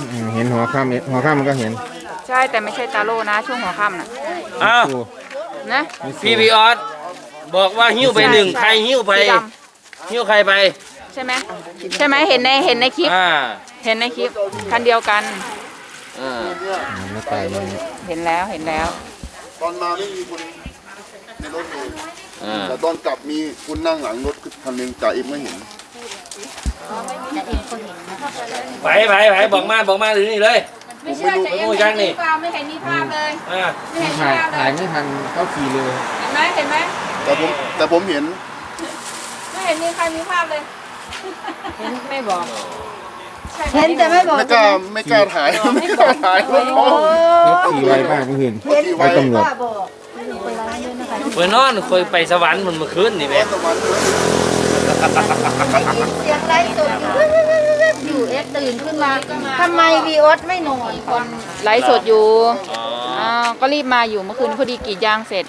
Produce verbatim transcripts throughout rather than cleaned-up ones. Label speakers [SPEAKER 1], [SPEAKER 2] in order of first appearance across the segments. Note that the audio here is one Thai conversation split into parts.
[SPEAKER 1] เห็นหัวค่ำหัวค่ำมันก็เห็น
[SPEAKER 2] ใช่แต่ไม่ใช่ตาโล่นะช่วงหัวค่ำน่ะ
[SPEAKER 3] อ้าว
[SPEAKER 2] นะ
[SPEAKER 3] พี่บีออสบอกว่าหิ้วไปหนึ่งใครหิ้วไปหิ้วใครไป
[SPEAKER 2] ใช่ไหมใช่ไหมเห็นในเห็นในคลิปเห็นในคลิปคันเดียวกันเห็นแล้วเห็นแล้ว
[SPEAKER 4] ตอนมาไม่มีคนในรถเลยแต่ตอนกลับมีคุณนั่งหลังรถคันหนึ่งจ่าเอ็มไม่เห็น
[SPEAKER 3] ไปไปไปบอกมาบอกมาถึงนี่เลย
[SPEAKER 2] ไม่เชื่อจะเอ็มไม่เห็นมีภาพไม่เห็นมีภาพเลย
[SPEAKER 1] ไม่เห็นถ่ายถ่ายไม่ทันเขาขี่เลย
[SPEAKER 2] เห็นไหมเห็นไหม
[SPEAKER 4] แต่ผมแต่ผมเห็น
[SPEAKER 2] ไม่เห็นมีใครมีภาพเลยเห็นไม่บอก
[SPEAKER 5] เห็นแต่ไม่บอก
[SPEAKER 4] ไม่กล้าไม่กล้าถ่ายไม่กล้าถ่ายรถ
[SPEAKER 1] ขี่ไวมากเมื่อคืนไปตำรวจ
[SPEAKER 3] เมื่อนอนคอยไปสวรรค์มันเมื่อคืนนี่แม่
[SPEAKER 5] เสียงไลฟ์สดอยู่เอฟตื่นขึ้นมาทำไมวีออสไม่นอน
[SPEAKER 2] คนไลฟ์สดอยู่อ้าวก็รีบมาอยู่เมื่อคืนพอดีกรีดยางเสร็จ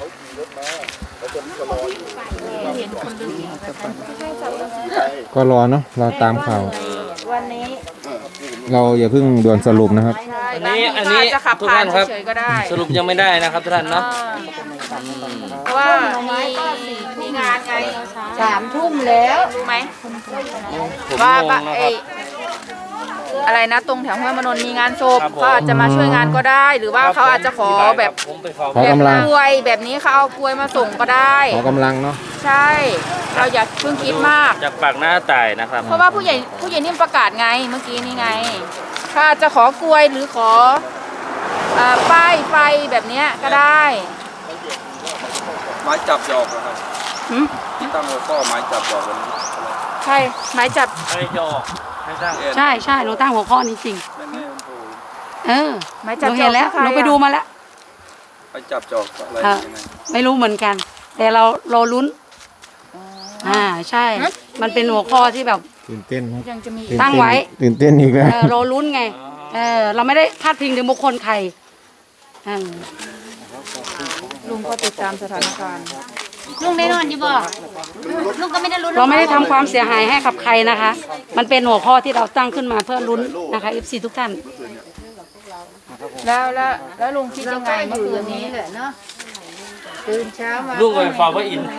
[SPEAKER 1] ก็รอเนาะรอตามข่าว
[SPEAKER 5] วันนี้
[SPEAKER 1] เราอย่าเพิ่งด่วนสรุปนะครับ
[SPEAKER 3] อันนี้อันนี้ทุกท่านครับสรุปยังไม่ได้นะครับทุกท่านเนาะ
[SPEAKER 2] เพราะว่ามีมีงานไง
[SPEAKER 5] สามทุ่มแล้ว
[SPEAKER 2] รู้ไหมว่าไออะไรนะตรงแถวห้วยมนนมีงานศพเขาอาจจะมาช่วยงานก็ได้หรือว่าเขาอาจจะขอแบบ
[SPEAKER 1] ขอกำลัง
[SPEAKER 2] กล้วยแบบนี้เขาเอากล้วยมาส่งก็ได้
[SPEAKER 1] ขอกำลังเนาะ
[SPEAKER 2] ใช่เราอย่าเพิ่งคิดมาก
[SPEAKER 3] จากปากหน้าตายนะครับ
[SPEAKER 2] เพราะว่าผู้ใหญ่ผู้ใหญ่นิ่มประกาศไงเมื่อกี้นี่ไงเขาอาจจะขอกล้วยหรือขอป้ายไฟแบบนี้ก็ได้
[SPEAKER 6] ไม้จับจอกนะครับที่ตั้งหัวข้อไม้จับจอกวันนี้
[SPEAKER 2] ใช่ไม้จับ
[SPEAKER 3] ไม้จอก
[SPEAKER 7] ใช่ใช่หนูตั้งหัวข้อนี้จริงเออ
[SPEAKER 2] ไม้จับ
[SPEAKER 7] หนูเห็นแล้วหนูไปดูมาแล้ว
[SPEAKER 6] ไม้จับจอกอะไร
[SPEAKER 7] ไม่รู้เหมือนกันแต่เราเราลุ้นอ่าใช่มันเป็นหัวข้อที่แบบ
[SPEAKER 1] ตื่นเต้น
[SPEAKER 2] ยังจะมี
[SPEAKER 7] ตั้งไว้
[SPEAKER 1] ตื่นเต้นอีกแล้ว
[SPEAKER 7] เราลุ้นไงเออเราไม่ได้พาดพิงถึงบุคคลใคร
[SPEAKER 2] ลุงก็ติดตามสถานการณ์
[SPEAKER 5] ลุงได้นอนอยู่บ่ลุงก็ไม่ได้ลุ้น
[SPEAKER 7] เราไม่ได้ทำความเสียหายให้กับใครนะคะมันเป็นหัวข้อที่เราตั้งขึ้นมาเพื่อลุ้นนะคะ เอฟ ซี ทุกท่าน
[SPEAKER 2] แล้วแล้วแล้วลุงคิดยังไงเมื่อคืนนี้
[SPEAKER 5] แหละเนาะตื่นเช้ามา
[SPEAKER 3] ลุงไปฟังพระอินทร์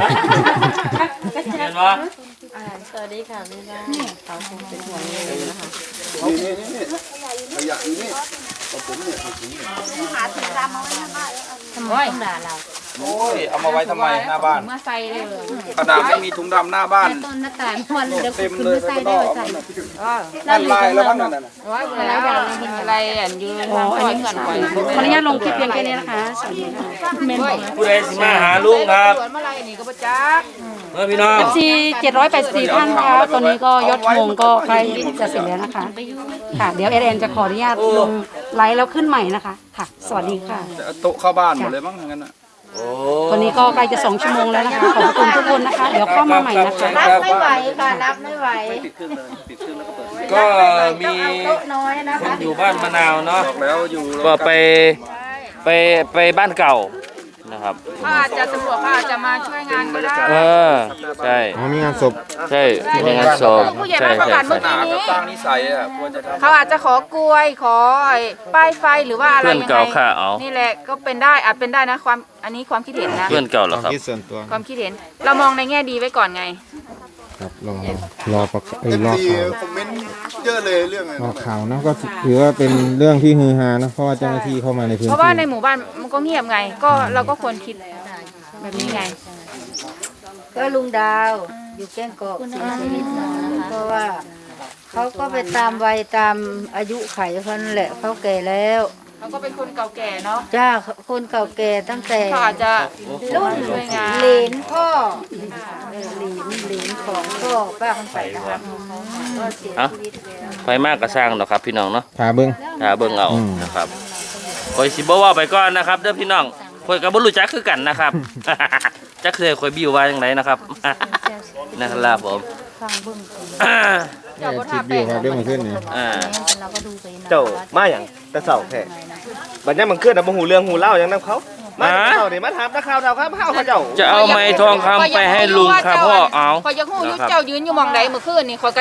[SPEAKER 3] เห็นปะ
[SPEAKER 5] สวัสดีค่ะพี่น้าเขาคงเป็นห่วงเลยนะคะ
[SPEAKER 4] นี่นี่นี่ขยะอยู่นี่ผมเนี่ย
[SPEAKER 5] หาถุงดำมาไว้หน้าบ้านทำไมต้องด่าเรา
[SPEAKER 6] โอ้ยเอามาไว้ทำไมหน้าบ้าน
[SPEAKER 2] เมื่อใส่เลย
[SPEAKER 6] กระดาษไม่มีถุงดำหน้าบ้าน
[SPEAKER 5] ต้นหน้าต่างพวนเดี๋ยว
[SPEAKER 6] เต็มเลย
[SPEAKER 5] ใส่ได้ใส่
[SPEAKER 6] นั่นลายแล้วบ้างนั่นน่ะ
[SPEAKER 2] ว่าแล้วอะไรอันยืนอันนี้ก่อนก่อน
[SPEAKER 7] ขออนุญาตลงคลิปเพียงแค่นี้นะคะสวัสดีค่ะ
[SPEAKER 3] ผู้ใดสิมาหาลุงครับ
[SPEAKER 2] เมื่อไรนี่ก็ประจักษ์
[SPEAKER 3] เมื่อพี่น้อง
[SPEAKER 7] เอฟ ซี เจ็ดร้อยแปดสิบสี่ท่านค่ะตอนนี้ก็ยอดงงก็ใกล้จะเสร็จแล้วนะคะค่ะเดี๋ยวเอเอ็นจะขออนุญาตลงไลฟ์แล้วขึ้นใหม่นะคะค่ะสวัสดีค่ะ
[SPEAKER 6] โต๊ะเข้าบ้านหมดเลยมั้งงั้นน่ะ
[SPEAKER 7] ตอนนี้ก็ใกล้จะสองชั่วโมงแล้วนะคะขอบคุณทุกคนนะคะเดี๋ยวเข้ามาใหม่นะคะ
[SPEAKER 5] นับไม่ไหวค่ะนับไม่ไหว
[SPEAKER 3] ก็มีคนอยู่บ้านมะนาวเนาะก็ไปไปไปบ้านเก่านะครับ
[SPEAKER 2] เขาอาจจะตำรวจเขาอาจจะมาช่วยงานก็ได้
[SPEAKER 3] เออใช่
[SPEAKER 1] มีงานศพ
[SPEAKER 3] ใช่มีงานศพ
[SPEAKER 2] ผู้ใหญ่บ้านประกาศเมื่อกี้นี้เขาอาจจะขอกล้วยขอป้ายไฟหรือว่าอะไรยังไงนี่แหละก็เป็นได้อาจเป็นได้นะความอันนี้ความคิดเห็นนะ
[SPEAKER 3] เพื่อนเก่าเหรอครับ
[SPEAKER 2] ความคิดเห็นเรามองในแง่ดีไว้ก่อนไง
[SPEAKER 1] ครับรอรอประ
[SPEAKER 4] เออรอข่าวคอมเมนต์เยอะเลยเรื่องอะไร
[SPEAKER 1] รอข่าวนะก็ถือว่าเป็นเรื่องที่ฮือฮานะเพราะว่าเจ้าหน้าที่เข้ามาในพื้นที่
[SPEAKER 2] เพราะว่าในหมู่บ้านมันก็เงียบไงก็เราก็ควรคิดแบบนี้ไง
[SPEAKER 5] ก็ลุงดาวอยู่แก้งเกาะเสียชีวิตเพราะว่าเขาก็ไปตามวัยตามอายุไขเขานั่นแหละเขาแก่แล้ว
[SPEAKER 2] เขาก็เป็นคนเก่าแก่เนาะ
[SPEAKER 5] จ้าคนเก่าแก่ตั้งแต่
[SPEAKER 2] เขาอาจจะ
[SPEAKER 5] รุ่นเหลนพ่อเหลนเหลนของพ่อป้าคำใสนะครับก็เสียชีวิตแล้ว
[SPEAKER 3] ไฟมากกระช่างเนาะครับพี่น้องเนาะ
[SPEAKER 1] ถาเบิ้ง
[SPEAKER 3] ถาเบิ้งเอานะครับคอยสิบ่ว่าไปก่อนนะครับเด้อพี่น้องคอยกับบุรุษจักคือกันนะครับจักเคยคอยบิวว่าอย่างไรนะครับนะครับผม
[SPEAKER 5] ฟังเบิ้ง
[SPEAKER 1] เจ้าทิพย์บิวครับเรื่องมันขึ้นนี่
[SPEAKER 8] เจ้ามาอย่างแต่เสาแค่บัดนี้มันขึ้นแต่บ่หูเรื่องหูเล่าอย่างนั้นเขามาเสาเดี๋ยวมาถามนักข่าวเราครับเขาเจ้า
[SPEAKER 3] จะเอาไม้ทองคำไปให้ลุงครับพ่อเอา
[SPEAKER 2] คอยยังหูยุเจ้ายืนอยู่มองใดเมื่อคืนนี่คอยก็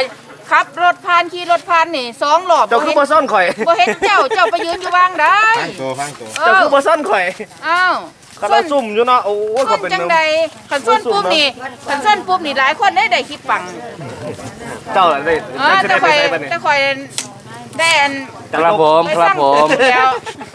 [SPEAKER 2] ขับรถผ่านขี่รถผ่านนี่สองรอบ
[SPEAKER 8] เจ้าคือบ่ซ่อนข่อย
[SPEAKER 2] บ่เห็นเจ้าเจ้าไปยืนอยู่วางได้
[SPEAKER 1] ฟังตัวฟังตัว
[SPEAKER 2] เอ
[SPEAKER 8] เจ้า
[SPEAKER 2] อ
[SPEAKER 8] คือบ่ซ่อนข่อย
[SPEAKER 2] อ้าว
[SPEAKER 8] เขาเราซุ่มอยู่เนาะโอ้ย
[SPEAKER 2] ค
[SPEAKER 8] เขา
[SPEAKER 2] น
[SPEAKER 8] เป็น
[SPEAKER 2] จัง
[SPEAKER 8] เมือง
[SPEAKER 2] ใดขันส้นปุ๊บนี่ขันส้นปุ๊บนี่หลายคนได้ได้คลิปปัง
[SPEAKER 8] เจ้าอะไรได้
[SPEAKER 2] เออ
[SPEAKER 8] จะ
[SPEAKER 2] แต่
[SPEAKER 8] ได้
[SPEAKER 2] ค
[SPEAKER 8] ไป
[SPEAKER 2] อย
[SPEAKER 8] ไหนบ้างเนี่ย
[SPEAKER 2] แต่คอยได้อัน
[SPEAKER 3] ครับผม
[SPEAKER 2] ไป
[SPEAKER 3] ครับผม
[SPEAKER 2] สางแล้ว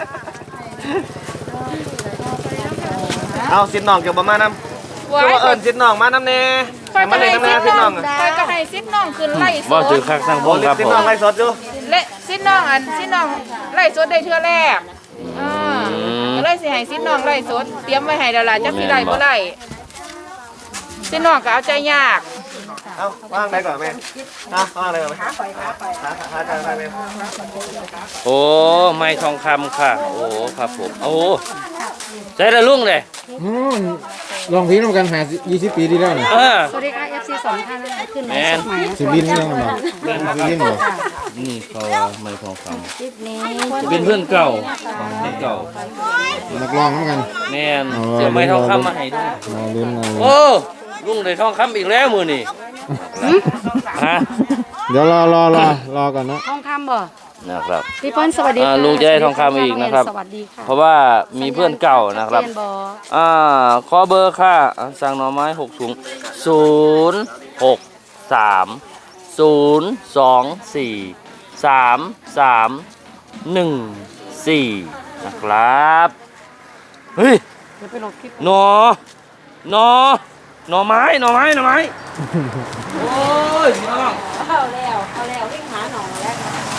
[SPEAKER 8] เอาสินน้องเกี่ยวบ่มานำ
[SPEAKER 2] ไว้
[SPEAKER 8] ตัวเอิ้นสินน้องมานำแน่
[SPEAKER 2] คอย
[SPEAKER 8] มา
[SPEAKER 2] ก็
[SPEAKER 8] เลย
[SPEAKER 2] ให้
[SPEAKER 8] นำ
[SPEAKER 2] ซิ
[SPEAKER 8] แน่
[SPEAKER 2] ด
[SPEAKER 8] สิน
[SPEAKER 2] น้
[SPEAKER 8] น้
[SPEAKER 2] อ
[SPEAKER 8] อง ง
[SPEAKER 2] คอยก็ให้ซิดน้องขึ้นไล่ส
[SPEAKER 3] ว่า
[SPEAKER 2] ด
[SPEAKER 3] ถือคักสร้างว
[SPEAKER 8] โอ้
[SPEAKER 3] งครับ
[SPEAKER 8] สิน
[SPEAKER 3] ผ
[SPEAKER 8] น้อง
[SPEAKER 3] ม
[SPEAKER 8] ไลฟ์สดอยู่
[SPEAKER 2] และซิดน้องอันซิดน้องไล่สดได้เทื่อแรกอ่าก็เลยสิให้ซิดน้องไล่สดเตรียมไว้ให้แล้วล่ะจักสิไล่บ่ไล่ซิดน้องก็เอาใจยาก
[SPEAKER 8] เอาว่างไหนก่อนแม่อ่ะว่างไหนก่อนแม่หาหาทางไหนแม่
[SPEAKER 3] โอ้ไม้ทองคำค่ะ โอ้ครับผมโอ้ใช่ละลุงเลย
[SPEAKER 1] อืมลองพีน้ำกันหายี่สิบปีที่แล้วนี่
[SPEAKER 3] เออ
[SPEAKER 7] สวัสดีค่ะ เอฟ ซี สองท่านนะคะขึ้นไลฟ์สดใหม่
[SPEAKER 1] สิบินยังไงสิบินเหรอ
[SPEAKER 3] นี่เขาว่าไม้ทองค
[SPEAKER 5] คลิปนี้
[SPEAKER 3] ำเป็นเพื่อนเก่าเพื่อนเก่า
[SPEAKER 1] นักร้องเหมือนกัน
[SPEAKER 3] แม่นเสียไม้ทองคำมาให้ด้วย
[SPEAKER 1] มาลุ้นมาลุ้น
[SPEAKER 3] โอ้ลุงได้ทองคำอีกแล้วมือนี่ฮะ
[SPEAKER 1] เดี๋ยวรอรอรอรอก่อนนะ
[SPEAKER 7] ทองคำบ่
[SPEAKER 3] นะครับ
[SPEAKER 7] พี่เปิ้ลสวัสดี
[SPEAKER 3] อ่า
[SPEAKER 7] ค่ะ
[SPEAKER 3] ลุงจะได้ทองคำอีกนะครับ
[SPEAKER 7] สวัสดีค่ะ
[SPEAKER 3] เพราะว่ามีเพื่อนเก่านะครับ
[SPEAKER 7] เรียนบอ
[SPEAKER 3] อ่าขอเบอร์ค่ะอ่าสั่งหน่อไม้หกถุงศูนย์หกสามศูนย์สองสี่สามสามหนึ่งสี่นะครับเฮ้ย
[SPEAKER 7] เดี๋ยวไปลงคลิป
[SPEAKER 3] หนอหนอหน่อไม้หน่อไม้หน่อไม้โอ้ยพี่น้อง
[SPEAKER 5] เข้าแล้วเข้าแล้ววิ่งหาหนองแล้ว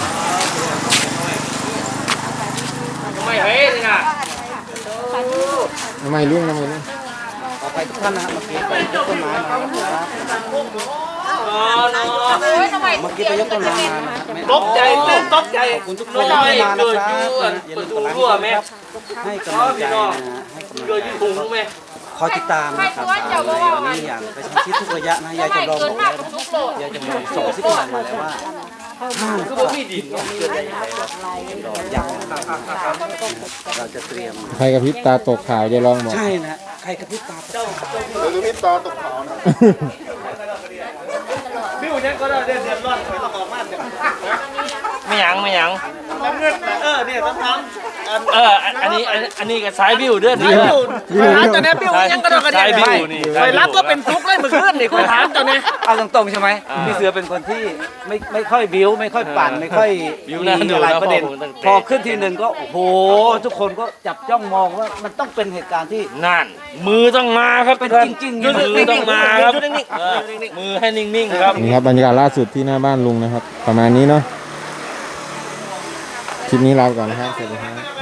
[SPEAKER 3] ทำไมเฮ้ยนี่นะ
[SPEAKER 1] ทำไมลุงทำไมลุง
[SPEAKER 3] หนอหนอ
[SPEAKER 2] โอ้ยทำไมเมื่อกี้ไปยกต้นไม้
[SPEAKER 3] ตกใจตื่นตกใจคุณทุกคนเกิดอยู่ประตูรั่วไหม
[SPEAKER 9] ให้กำลังใจนะฮะให้กำลัง
[SPEAKER 3] เกิด
[SPEAKER 9] ใจ
[SPEAKER 3] อยู่ถุงไหม
[SPEAKER 9] คอยติดตามนะครับสาวน้อยวันนี้อย่างกระชั้นชิดทุกระยะนะยายจำลองบอกแล้วนะยายจำลองส่งซิกนมาแล้วว่าห้าม
[SPEAKER 3] คือบ่มีดินเนาะเกิดได้ยังไงวะ
[SPEAKER 9] ยังเราจะเตรียม
[SPEAKER 1] ใครกับพริบตาตกข่าวจะลองบอก
[SPEAKER 9] ใช่นะใครกระพริบตา
[SPEAKER 4] เดี๋ยวจะมีตาตกขาวนะ
[SPEAKER 8] บิวยังก็ได้เดือดเดือดร้อนข่อยต้องออกมาเนี่ย
[SPEAKER 3] ไม่หยังไม่หยัง
[SPEAKER 8] น้ำเงินเออเนี่ยต้องทำอัน
[SPEAKER 3] เอออันอันนี้อันอันนี้ก็สายบิวเด้อ
[SPEAKER 8] บิ
[SPEAKER 3] นี่
[SPEAKER 8] วคอยถามเจ้าเนี่ยบิวยังก็ต้องกระเดี
[SPEAKER 3] สาย
[SPEAKER 8] ย
[SPEAKER 3] บิ
[SPEAKER 8] ไม่
[SPEAKER 3] วนี่
[SPEAKER 8] คอยรับก็เป็นทุกข์เลยเมื่อคืนนี่คอยถามเจ้าเนี่ย
[SPEAKER 9] เอาตรงๆใช่ไหมพี่เสือเป็นคนที่ไม่ไม่ค่อยบิ้วไม่ค่อยปั่นไม่ค่อยมีอะไรประเด็นพอขึ้นทีหนึ่งก็โอ้โหทุกคนก็จับจ้องมองว่ามันต้องเป็นเหตุการณ์ที่
[SPEAKER 3] นั่น มือต้องมาครับ
[SPEAKER 9] เป็นจริงๆ
[SPEAKER 3] มือต้องมาครับเออมือให้นิ่งๆครับ
[SPEAKER 1] นี่ครับบรรยากาศล่าสุดที่หน้าบ้านลุงนะครับ ประมาณนี้เนาะคลิปนี้ลาไปก่อนนะครับสวัสดีครับ